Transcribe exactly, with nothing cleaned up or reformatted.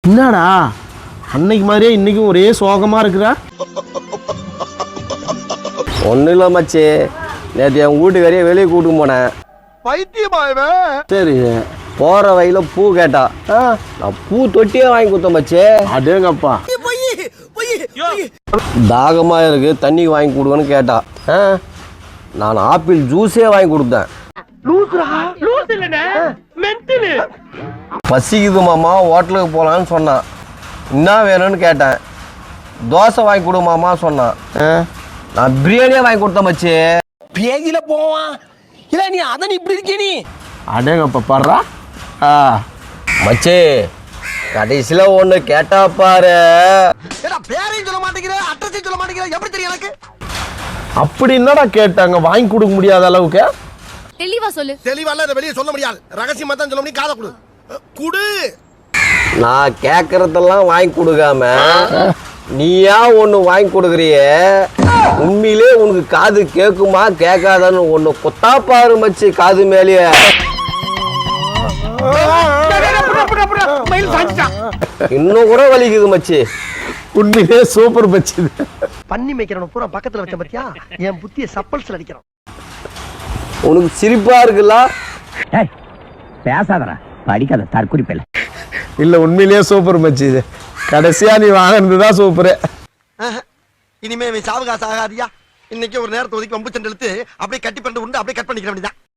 என்னடா அன்னைக்கு மாதிரியே இன்னைக்கும் ஒரே சோகமாக இருக்குதா? ஒன்றும் இல்லை மச்சி, நேற்று என் வீட்டுக்காரியே வெளியே கூட்டு போனேன். பைத்தியமாயவன். சரி, போகிற வழியில் பூ கேட்டா. நான் பூ தொட்டியே வாங்கி கொடுத்தேன் மச்சி. அடேங்கப்பா. தாகமாக இருக்கு, தண்ணி வாங்கி கொடுங்கன்னு கேட்டா. நான் ஆப்பிள் ஜூஸே வாங்கி கொடுத்தேன். பசிக்குது மாமா, ஹோட்டலுக்கு போகலான்னு சொன்னான். என்ன வேணும்னு கேட்டேன். தோசை வாங்கி கொடு மாமா சொன்னான். நான் பிரியாணியே வாங்கி கொடுத்தேன் மச்சி. பேஜில போவான் இல்ல, நீ அதான் இப்படி இருக்க நீ. அடேங்கப்பா பாடுறா. ஆ மச்சி, கடைசியில் ஒன்று கேட்டா பாரு. பேரையும் சொல்ல மாட்டேங்கிற, அட்ரஸையும் சொல்ல மாட்டேங்கிற, எப்படி தெரியும் எனக்கு? அப்படி என்னடா கேட்டாங்க? வாங்கி கொடுக்க முடியாத அளவுக்கு? தெளிவா சொல்லு. தெளிவா இல்ல, வெளியே சொல்ல முடியாது. ரகசியமா தான் சொல்ல முடியும். காதை கொடு குடு. நான் கேட்கறதெல்லாம் வாங்கி கொடுக்காம நீயா ஒன்று வாங்கி கொடுக்குறியே, உண்மையிலே உனக்கு காது கேட்குமா கேட்காதான்னு ஒன்று கொத்தா பாரு மச்சி, காது மேலேயே. இன்னும் கூட வலிக்குது மச்சி. உண்மையிலே சூப்பர் மச்சி. பண்ணி மேய்க்கிறவன பூரா பக்கத்துல வச்ச பத்தியா, என் புத்திய சப்பல்ஸ்ல அடிக்கிறான். உனக்கு சிரிப்பா இருக்குல்ல? பேசாதடா, படிக்காத தற்குறிப்பில்லை. இல்ல உண்மையிலேயே சூப்பர் மச்சி. இது கடைசியா நீ வாங்கினதுதான் சூப்பரு. இனிமே சாவகாசம் ஆகாதியா. இன்னைக்கு ஒரு நேரத்தை ஒதுக்கி வம்பு சண்டை இழுத்து அப்படியே கட்டி பண்ணி உண்டு அப்படியே கட் பண்ணிக்கிற வேண்டியதான்.